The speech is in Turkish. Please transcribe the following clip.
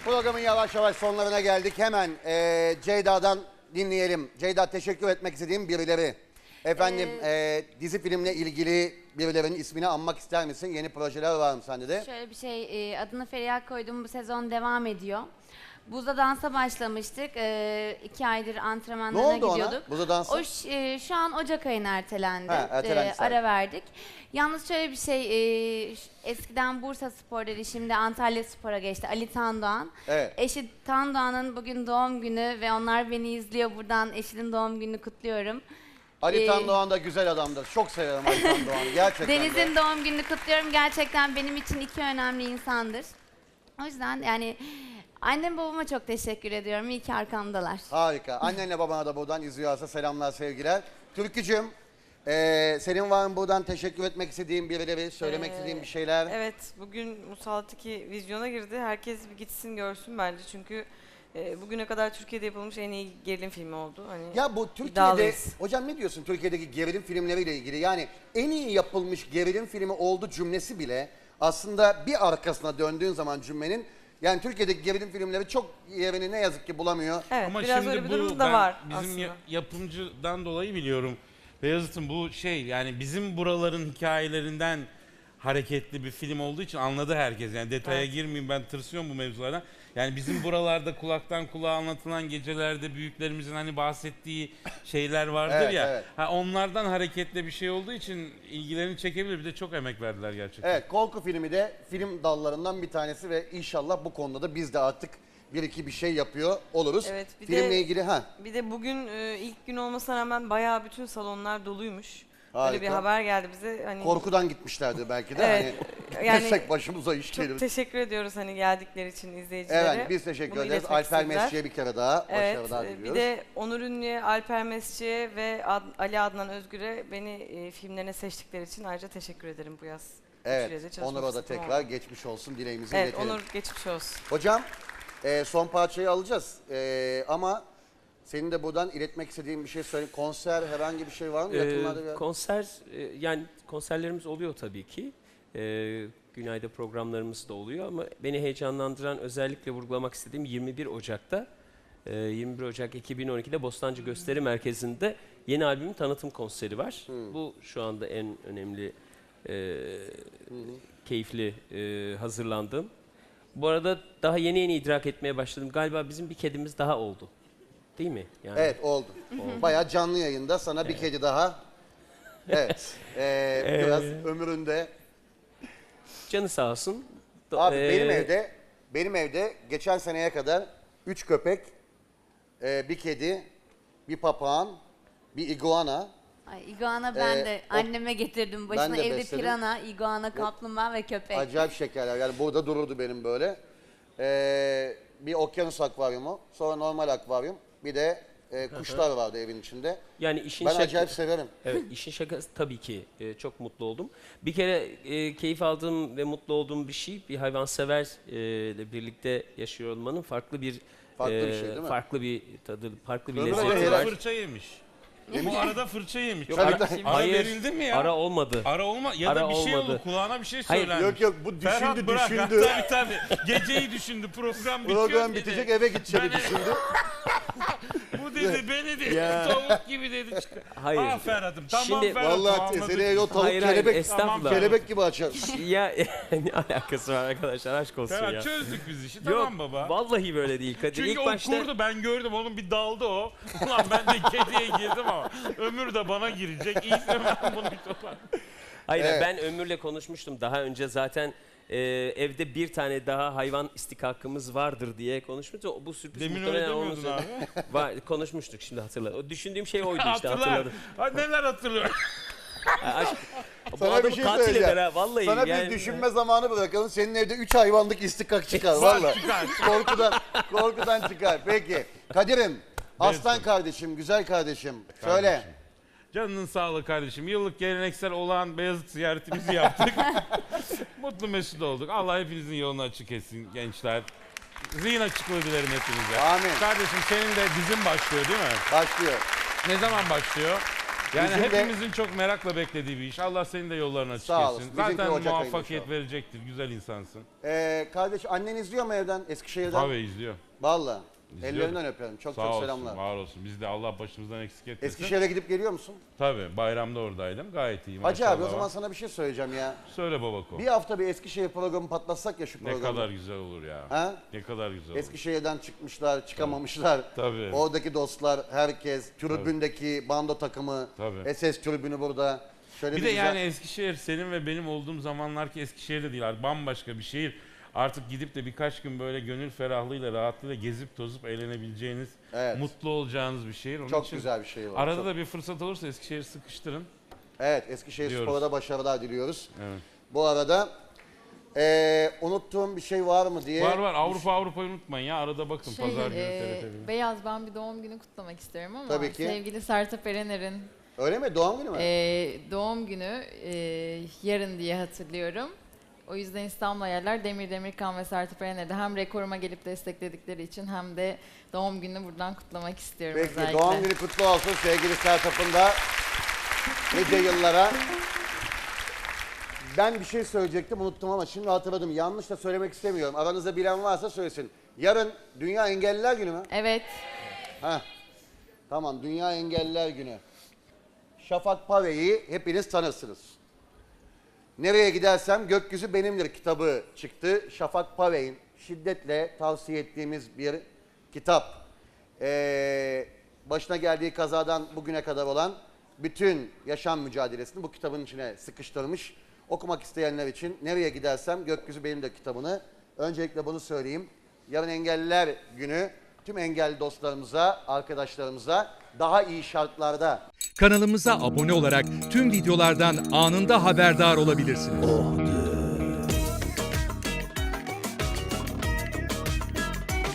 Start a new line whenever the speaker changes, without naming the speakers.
Programın yavaş yavaş sonlarına geldik. Hemen Ceyda'dan dinleyelim. Ceyda, teşekkür etmek istediğim birileri. Efendim dizi filmle ilgili birilerinin ismini anmak ister misin? Yeni projeler var mı sende de?
Şöyle bir şey, adını Feriha koydum, bu sezon devam ediyor. Buzda dansa başlamıştık. 2 aydır antrenmanlarına
Ne oldu
gidiyorduk.
ona? Buzda dansa?
O şu an Ocak ayına ertelendi.
Ha, ertelendi sadece.
Ara verdik. Yalnız şöyle bir şey, eskiden Bursa Spor dedi, şimdi Antalya Spor'a geçti. Ali Tandoğan.
Evet.
Eşi Tandoğan'ın bugün doğum günü ve onlar beni izliyor. Buradan eşinin doğum gününü kutluyorum.
Ali Tandoğan da güzel adamdır. Çok severim Ali Tandoğan'ı gerçekten.
Deniz'in doğum gününü kutluyorum. Gerçekten benim için 2 önemli insandır. O yüzden yani annem babama çok teşekkür ediyorum. İyi ki arkamdalar.
Harika. Annenle babana da buradan izliyorsa selamlar, sevgiler. Türkücüğüm, senin var mı buradan teşekkür etmek istediğin birileri, söylemek istediğin bir şeyler?
Evet, bugün Musallat 2 vizyona girdi. Herkes bir gitsin görsün bence çünkü bugüne kadar Türkiye'de yapılmış en iyi gerilim filmi oldu. Hani
Ya bu Türkiye'de,
iddialıyız.
hocam ne diyorsun Türkiye'deki gerilim filmleriyle ilgili? Yani en iyi yapılmış gerilim filmi oldu cümlesi bile aslında bir arkasına döndüğün zaman cümlenin, yani Türkiye'deki gerilim filmleri çok yerini ne yazık ki bulamıyor.
Evet,
Ama
biraz
şimdi
öyle bir
bu
durum da
ben
var
bizim
aslında.
yapımcıdan dolayı biliyorum. Beyazıt'ın bu şey, yani bizim buraların hikayelerinden hareketli bir film olduğu için anladı herkes. Yani detaya
Evet.
girmeyeyim, ben tırsıyorum bu mevzulardan. Yani bizim buralarda kulaktan kulağa anlatılan gecelerde büyüklerimizin hani bahsettiği şeyler vardır
Evet,
ya.
evet.
Ha, onlardan hareketli bir şey olduğu için ilgilerini çekebilir. Bir de çok emek verdiler gerçekten.
Evet, korku filmi de film dallarından bir tanesi ve inşallah bu konuda da biz de artık bir iki bir şey yapıyor oluruz.
Evet, bir
Filmle
de-
ilgili
Bir de bugün ilk gün olmasına rağmen bayağı bütün salonlar doluymuş.
Harika.
Böyle bir haber geldi bize. Hani
korkudan gitmişlerdi belki de.
Evet,
Hani
yani
girsek başımıza iş
çok
gelir.
teşekkür ediyoruz hani geldikleri için izleyicilere.
Evet, biz teşekkür
Bunu
ederiz.
iletmek
Alper
istediler.
Mesci'ye bir kere daha
Evet,
başarılar
bir
diliyoruz.
de Onur Ünlü'ye, Alper Mesci'ye ve Ali Adnan Özgür'e beni filmlerine seçtikleri için ayrıca teşekkür ederim bu yaz.
Evet,
Türkiye'de çalışma
Onur'a da
fırsatım
tekrar
oldu.
geçmiş olsun dileğimizi
Evet,
iletelim.
Onur geçmiş olsun.
Hocam, son parçayı alacağız. Ama senin de buradan iletmek istediğin bir şey söyle. Konser, herhangi bir şey var mı? Yakınlarda bir...
Konser, yani konserlerimiz oluyor tabii ki. Günay'da programlarımız da oluyor ama beni heyecanlandıran, özellikle vurgulamak istediğim 21 Ocak'ta 21 Ocak 2012'de Bostancı Gösteri Merkezi'nde yeni albümün tanıtım konseri var. Bu şu anda en önemli, keyifli hazırlandığım. Bu arada daha yeni idrak etmeye başladım. Galiba bizim bir kedimiz daha oldu. Değil mi? Yani
Evet, oldu. Bayağı canlı yayında sana bir kedi daha. Evet, biraz ömründe.
canı sağ olsun.
Abi benim evde geçen seneye kadar 3 köpek, bir kedi, bir papağan, bir iguana.
Ay, iguana ben de anneme getirdim. Başına
de
evde
besledim.
pirana, iguana, kaplumbağa ve köpek.
Acayip şekerler. Yani burada dururdu benim böyle. Bir okyanus akvaryumu, sonra normal akvaryum, bir de kuşlar vardı evin içinde.
Yani işin
Ben acayip severim.
Evet, işin şakası tabii ki çok mutlu oldum. Bir kere keyif aldığım ve mutlu olduğum bir şey, bir hayvanseverle birlikte yaşıyor olmanın farklı bir
şey değil mi?
farklı bir tadı, farklı bir
Ömür
Bu
lezzet
Helal.
arada
var.
fırça yemiş. Bu arada fırça yemiş.
Yok,
Tabii,
ara,
tabii.
Ara
hayır,
verildi mi ya?
ara olmadı.
Ara olma ya da
Ara
bir şey
olmadı.
oldu, kulağına bir şey
Hayır,
söylenmiş.
Yok bu
Ferhat
düşündü
bırak.
düşündü.
Tabii. Geceyi düşündü, program bitiyor
Program
dedi.
bitecek, eve gideceğini
Ben-
düşündü.
Bu dedi, beni dedi,
Ya.
tavuk gibi dedi.
Hayır.
Ah Ferhat'ım, tamam
Şimdi-
Ferhat'ım,
Vallahi
anladık.
seneye o tavuk
Hayır, hayır,
kelebek,
estağfurullah.
kelebek gibi açar.
Ya ne alakası var arkadaşlar, aşk olsun
Ferhat
ya.
çözdük biz işi,
Yok,
tamam baba.
vallahi böyle değil Kadir.
Çünkü
İlk
o
başta
kurdu, ben gördüm, onun bir daldı o. Ulan ben de kediye girdim ama Ömür de bana girecek. İyi ki ben bunu bir toparlayayım.
hayır,
Evet.
ben Ömür'le konuşmuştum daha önce zaten. Evde bir tane daha hayvan istikakımız vardır diye konuşmuştuk. Bu sürpriz
Demin öyle
muhtemelen
demiyordun
olmasın.
abi.
Konuşmuştuk, şimdi hatırladım. O düşündüğüm şey oydu işte,
Hatırlar.
hatırladım.
Ha, neler hatırlıyor?
Bu
Sana bir
adamı
şey
katil
söyleyeceğim.
eder ha, vallahi.
Sana
yani.
bir düşünme zamanı bırakalım. Senin evde 3 hayvanlık istikak çıkar valla.
Çıkar.
Korkudan çıkar. Peki. Kadir'im, aslan kardeşim, güzel kardeşim. Söyle.
Canının sağlığı kardeşim. Yıllık geleneksel olan Beyazıt ziyaretimizi yaptık. Mutlu mesut olduk. Allah hepinizin yolunu açık etsin gençler. Zihin açıklığı dilerim hepinize.
Amin.
Kardeşim senin de dizin başlıyor değil mi?
Başlıyor.
Ne zaman başlıyor? Yani
Bizim de-
hepimizin çok merakla beklediği bir iş. Allah senin de yollarını açık
Sağ olasın.
etsin.
Bizimki
Zaten
Ocak ayında
muvaffakiyet
inşallah.
verecektir. Güzel insansın.
Kardeş annen izliyor mu evden Eskişehir'den?
Tabii izliyor.
Vallahi.
İzliyor.
Ellerinden öpüyorum. Çok
Sağ
çok
olsun,
selamlar.
var olsun. Biz de Allah başımızdan eksik etmesin.
Eskişehir'e gidip geliyor musun?
Tabii bayramda oradaydım. Gayet iyiyim.
Hacı abi o
maşallah
zaman
var.
sana bir şey söyleyeceğim ya.
Söyle babako.
Bir hafta bir Eskişehir programı patlatsak ya şu
Ne
programı.
kadar güzel olur ya.
Ha?
Ne kadar güzel olur.
Eskişehir'den çıkmışlar, çıkamamışlar.
Tabii.
Oradaki dostlar, herkes, tribündeki bando takımı,
Tabii.
SS tribünü burada. Şöyle
Bir de
güzel-
yani Eskişehir senin ve benim olduğum zamanlar ki Eskişehir'de değil artık bambaşka bir şehir. Artık gidip de birkaç gün böyle gönül ferahlığıyla, rahatlığıyla gezip tozup eğlenebileceğiniz,
Evet.
mutlu olacağınız bir şehir. Onun
Çok
için
güzel bir şey var.
arada
Çok-
da bir fırsat olursa Eskişehir'i sıkıştırın.
Evet, Eskişehir
diyoruz.
Spor'a da başarılar diliyoruz.
Evet.
Bu arada unuttuğum bir şey var mı diye.
Var Avrupa'yı unutmayın ya arada bakın pazar günü TRT1'de.
Beyaz, ben bir doğum günü kutlamak istiyorum ama
Tabii ki.
sevgili Sertab Erener'in
Öyle mi? Doğum günü mü?
doğum günü yarın diye hatırlıyorum. O yüzden İstanbul Hayaller Demir Demirkan ve Sertab Erener'de hem rekoruma gelip destekledikleri için hem de doğum gününü buradan kutlamak istiyorum
Peki
özellikle.
doğum günü kutlu olsun sevgili Sertab'ın da nice yıllara. Ben bir şey söyleyecektim unuttum ama şimdi hatırladım. Yanlış da söylemek istemiyorum. Aranızda bilen varsa söylesin. Yarın Dünya Engelliler Günü mü?
Evet.
Heh. Tamam, Dünya Engelliler Günü. Şafak Pave'yi hepiniz tanırsınız. Nereye gidersem gökyüzü benimdir kitabı çıktı. Şafak Pave'in şiddetle tavsiye ettiğimiz bir kitap. Başına geldiği kazadan bugüne kadar olan bütün yaşam mücadelesini bu kitabın içine sıkıştırmış. Okumak isteyenler için Nereye Gidersem Gökyüzü Benimdir kitabını. Öncelikle bunu söyleyeyim. Yarın Engelliler Günü tüm engelli dostlarımıza, arkadaşlarımıza daha iyi şartlarda
Kanalımıza abone olarak tüm videolardan anında haberdar olabilirsiniz.